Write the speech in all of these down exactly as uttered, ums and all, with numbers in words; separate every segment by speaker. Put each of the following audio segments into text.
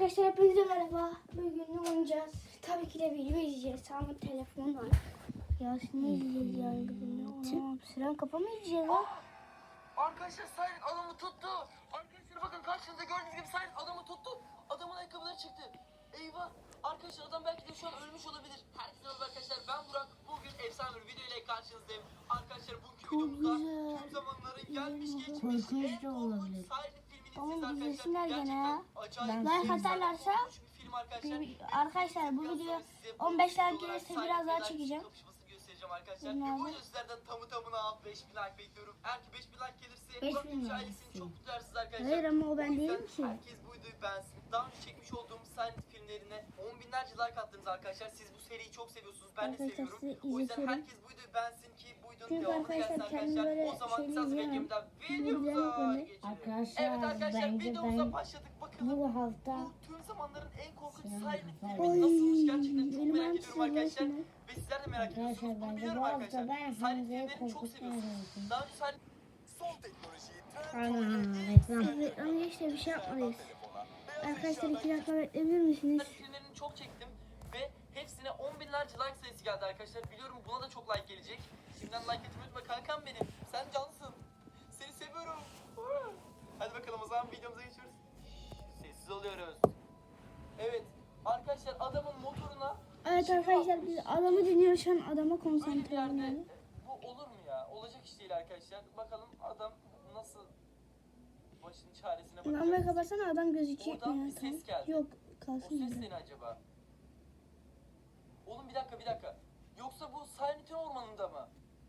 Speaker 1: Arkadaşlar hepinize merhaba. Bugün ne oynayacağız? Tabii ki de video izleyeceğiz. Ama telefon var. Ya ne izleyeceğiz yani bugün? Siren kafa mı izleyeceğiz lan?
Speaker 2: Arkadaşlar Siren adamı tuttu. Arkadaşlar bakın karşınızda gördüğünüz gibi Siren adamı tuttu. Adamın ayakkabıları çıktı. Eyvah. Arkadaşlar adam belki de şu an ölmüş olabilir. Herkese merhaba arkadaşlar, ben Burak. Bugün efsane bir video ile karşınızdayım. Arkadaşlar bugünkü videomuzda tüm zamanların gelmiş geçmiş en korkunç Siren filmini
Speaker 1: Oğlum
Speaker 2: izleyeceğiz
Speaker 1: izlesinler
Speaker 2: arkadaşlar.
Speaker 1: gene ya.
Speaker 2: Gerçekten acayip
Speaker 1: Like
Speaker 2: efsane
Speaker 1: atarlarsa
Speaker 2: korkunç bir film arkadaşlar.
Speaker 1: bir- arkadaşlar bu video on beş like gelirse biraz daha çekeceğim.
Speaker 2: Arkadaşlar.
Speaker 1: Bunlar
Speaker 2: Ve bu
Speaker 1: da-
Speaker 2: video sizlerden tamı tamına beş bin like bekliyorum. Eğer ki beş bin like gelirse
Speaker 1: beş
Speaker 2: Burak
Speaker 1: bin
Speaker 2: Gülücü
Speaker 1: like
Speaker 2: ailesini çok mutlu edersiniz arkadaşlar.
Speaker 1: Hayır ama o ben
Speaker 2: yüzden
Speaker 1: değilim ki.
Speaker 2: herkes bu videoyu beğensin. Daha önce çekmiş olduğum Silent filmlerine on binlerce like attınız arkadaşlar. Siz bu seriyi çok seviyorsunuz. Ben de
Speaker 1: Arkadaşlar
Speaker 2: seviyorum.
Speaker 1: size
Speaker 2: O yüzden
Speaker 1: izletiyorum.
Speaker 2: herkes bu videoyu beğensin ki bu videonun
Speaker 1: Çünkü
Speaker 2: devamını gelsin
Speaker 1: arkadaşlar kendim
Speaker 2: arkadaşlar.
Speaker 1: böyle
Speaker 2: O zaman
Speaker 1: şeyleri
Speaker 2: kısa
Speaker 1: izleyemem.
Speaker 2: beklemeden
Speaker 1: Videoları
Speaker 2: videomuza
Speaker 1: böyle-
Speaker 2: geçelim.
Speaker 3: Arkadaşlar,
Speaker 2: Evet arkadaşlar
Speaker 3: bence
Speaker 2: videomuza
Speaker 3: ben
Speaker 2: başladık. Bakalım
Speaker 3: bu hafta
Speaker 2: bu tüm zamanların en korkunç
Speaker 3: Sinan
Speaker 2: Silent
Speaker 3: Kafa-
Speaker 2: filmi
Speaker 1: Oy,
Speaker 2: nasılmış gerçekten çok
Speaker 1: benim
Speaker 2: merak
Speaker 1: hem
Speaker 2: ediyorum arkadaşlar.
Speaker 1: sizin
Speaker 2: Ve sizler de merak ediyorsunuz.
Speaker 3: arkadaşlar
Speaker 2: Bunu
Speaker 3: bence
Speaker 2: biliyorum
Speaker 3: bu hafta
Speaker 2: arkadaşlar.
Speaker 3: ben
Speaker 2: Silent
Speaker 3: Hamza'yı
Speaker 2: filmlerini çok seviyorsunuz.
Speaker 3: korkutmayacağım.
Speaker 2: Daha önce Silent son teknolojiyi
Speaker 3: Ana reklam.
Speaker 1: Reklam geçti bir şey yapmalıyız. Arkadaşlar iki dakika bekleyebilir misiniz?
Speaker 2: filmlerini çok çektim ve hepsine on binlerce like sayısı geldi arkadaşlar. Biliyorum buna da çok like gelecek. Şimdiden like etmeyi unutma kankam benim. Sen cansın. Seni seviyorum. Hadi bakalım o zaman videomuza geçiyoruz. Sessiz oluyoruz. Evet arkadaşlar adamın motoruna
Speaker 1: Evet
Speaker 2: Şimdi
Speaker 1: arkadaşlar
Speaker 2: yapmış.
Speaker 1: biz adamı dinliyoruz şu an adama
Speaker 2: Böyle bir
Speaker 1: konsantre
Speaker 2: yerde
Speaker 1: olun.
Speaker 2: bu olur mu ya? Olacak iş değil arkadaşlar. Bakalım adam nasıl başının çaresine bakacak.
Speaker 1: Lambayı kapatsana adam gözükecek
Speaker 2: Oradan
Speaker 1: mi
Speaker 2: bir
Speaker 1: ya?
Speaker 2: ses geldi.
Speaker 1: Yok
Speaker 2: O
Speaker 1: kalsın
Speaker 2: ses
Speaker 1: öyle.
Speaker 2: ne acaba? Oğlum bir dakika bir dakika. Yoksa bu Silent'in ormanında mı?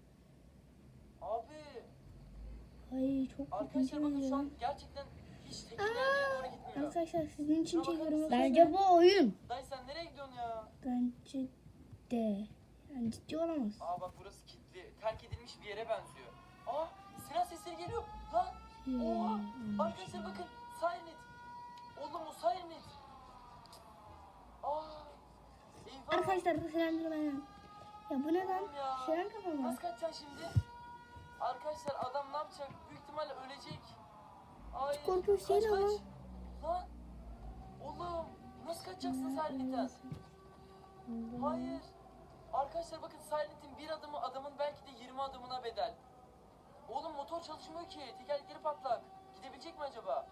Speaker 2: Abi
Speaker 1: Ay çok
Speaker 2: arkadaşlar bakın şu an
Speaker 1: korkuyorum.
Speaker 2: gerçekten hiç tekinlerine doğru gitmiyor.
Speaker 1: Arkadaşlar sizin için
Speaker 2: Şuna bakar
Speaker 1: çekiyorum.
Speaker 2: mısın?
Speaker 3: Bence bu oyun.
Speaker 2: Dayı sen nereye gidiyorsun ya?
Speaker 1: Bence de. Yani ciddi olamaz.
Speaker 2: Aa bak burası kilitli. Terk edilmiş bir yere benziyor. Aa siren sesleri geliyor. Lan. Oha. Arkadaşlar bakın. Silent. Oğlum o Silent. Aa. Eyvah.
Speaker 1: Arkadaşlar sirendir benim. Ya bu ne lan?
Speaker 2: Oğlum ya.
Speaker 1: Siren kafa mı?
Speaker 2: Nasıl kaçacaksın şimdi? Arkadaşlar adam ne yapacak? Büyük ihtimalle ölecek. Ay.
Speaker 1: Korkunç değil ama.
Speaker 2: Lan. Oğlum. Nasıl kaçacaksın Silent'ten? Hayır. Arkadaşlar bakın Silent'in bir adımı adamın belki de yirmi adımına bedel. Oğlum motor çalışmıyor ki. Tekerlekleri patlak. Gidebilecek mi acaba?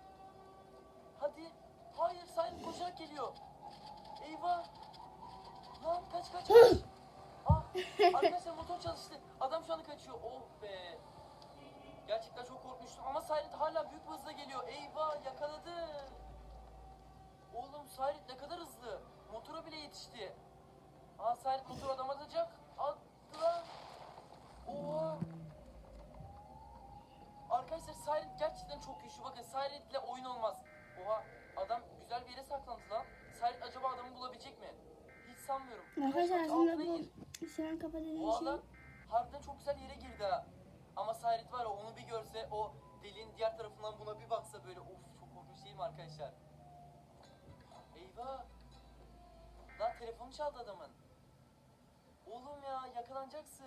Speaker 2: Hadi. Hayır Silent koşarak geliyor. Eyvah. Lan kaç kaç kaç. Ah, arkadaşlar motor çalıştı. Adam şu anda kaçıyor. Oh be. Gerçekten çok korkmuştum ama Silent hala büyük bir hızla geliyor. Eyvah yakaladı. Oğlum Silent ne kadar hızlı. Motora bile yetişti. Aa Silent motor adam atacak. Attı lan. Oha. Arkadaşlar Silent gerçekten çok güçlü. Bakın Silent'le oyun olmaz. Oha adam güzel bir yere saklandı lan. Silent acaba adamı bulabilecek mi? Hiç sanmıyorum.
Speaker 1: Arkadaşlar
Speaker 2: Kaç, kaç,
Speaker 1: aslında
Speaker 2: altına
Speaker 1: bu
Speaker 2: gir.
Speaker 1: siren kafa dediğin
Speaker 2: O
Speaker 1: şey.
Speaker 2: adam harbiden çok güzel yere girdi ha. Ama Silent var ya onu bir görse o deliğin diğer tarafından buna bir baksa böyle of çok korkunç değil mi arkadaşlar? Eyvah. Lan telefonu çaldı adamın. Oğlum ya yakalanacaksın.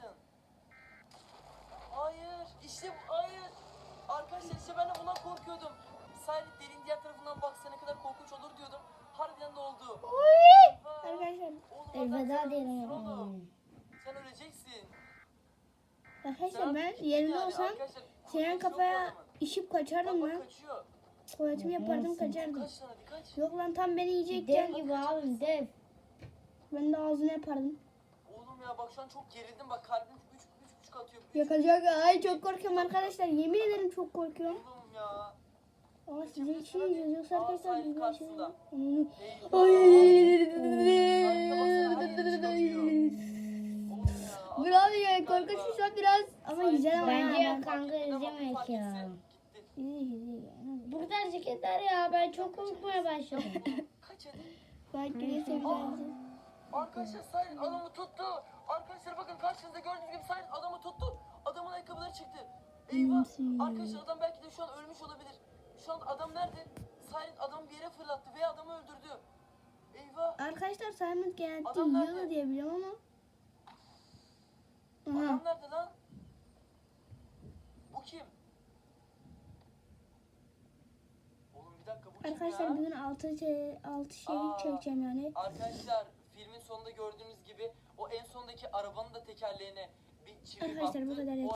Speaker 2: Hayır işte bu hayır. Arkadaşlar işte ben de bundan korkuyordum. Silent deliğin diğer tarafından baksa ne kadar korkunç olur diyordum. Harbiden de oldu. Eyvah.
Speaker 1: Arkadaşlar.
Speaker 2: Oğlum, adam
Speaker 3: Elveda
Speaker 2: sen
Speaker 3: diyelim.
Speaker 2: ölmüşsün oğlum. Sen öleceksin.
Speaker 1: Arkadaşlar ben
Speaker 2: Sen-
Speaker 1: yerinde
Speaker 2: yani
Speaker 1: olsam
Speaker 2: arkadaşlar,
Speaker 1: siren
Speaker 2: kurtuluş yok bu
Speaker 1: kafaya
Speaker 2: adamın.
Speaker 1: işip
Speaker 2: Bak
Speaker 1: kaçardım
Speaker 2: bak
Speaker 1: lan.
Speaker 2: kaçıyor.
Speaker 1: Tuvaletimi yapardım kaçardım.
Speaker 2: Kaç tane kaç.
Speaker 1: Yok lan tam beni
Speaker 3: Dev
Speaker 1: yiyecekken
Speaker 3: gibi abi dev.
Speaker 1: ben de ağzını yapardım.
Speaker 2: Oğlum ya bak şu an çok gerildim bak kalbim üç üç buçuk atıyor. Üç-
Speaker 1: Yakacak. Ay çok korkuyorum arkadaşlar. Yemin ederim çok korkuyorum.
Speaker 2: Oğlum ya.
Speaker 1: Ama sizin için izliyoruz. Yoksa
Speaker 2: Aa,
Speaker 1: arkadaşlar
Speaker 2: sahip
Speaker 1: biz bir şey
Speaker 2: karşısında.
Speaker 1: Onu-
Speaker 2: Eyvah.
Speaker 1: Ay.
Speaker 2: Harika baksana, her yeri çıkartıyor. Oğlum ya.
Speaker 1: Bravo ya korkunç bir şey biraz ama güzel ama
Speaker 3: Bence
Speaker 1: ya.
Speaker 3: yok. Kanka izlemek
Speaker 2: Fark
Speaker 3: ya.
Speaker 2: etse gitti.
Speaker 1: İyi, iyi, iyi.
Speaker 3: Burada hareketler ya, ben çok korkmaya başladım.
Speaker 2: Kaç hadi.
Speaker 1: Belki de seveceğiz.
Speaker 2: Arkadaşlar Silent adamı tuttu. Arkadaşlar bakın karşınızda gördüğünüz gibi Silent adamı tuttu. Adamın ayakkabıları çıktı. Eyvah.
Speaker 1: Nasıl?
Speaker 2: Arkadaşlar adam belki de şu an ölmüş olabilir. Şu an adam nerede? Silent adamı bir yere fırlattı ve adamı öldürdü. Eyvah.
Speaker 1: Arkadaşlar Simon genellikle
Speaker 2: Adam nerede?
Speaker 1: yiyordu diye biliyorum ama. Aha.
Speaker 2: Adam nerede lan? Bu kim? Oğlum bir dakika bu
Speaker 1: Arkadaşlar
Speaker 2: ya?
Speaker 1: bugün altı altı şey
Speaker 2: Aa.
Speaker 1: çekeceğim yani.
Speaker 2: Arkadaşlar filmin sonunda gördüğünüz gibi o en sondaki arabanın da tekerleğine bir çivi
Speaker 1: Arkadaşlar bu
Speaker 2: battı.
Speaker 1: kadar
Speaker 2: O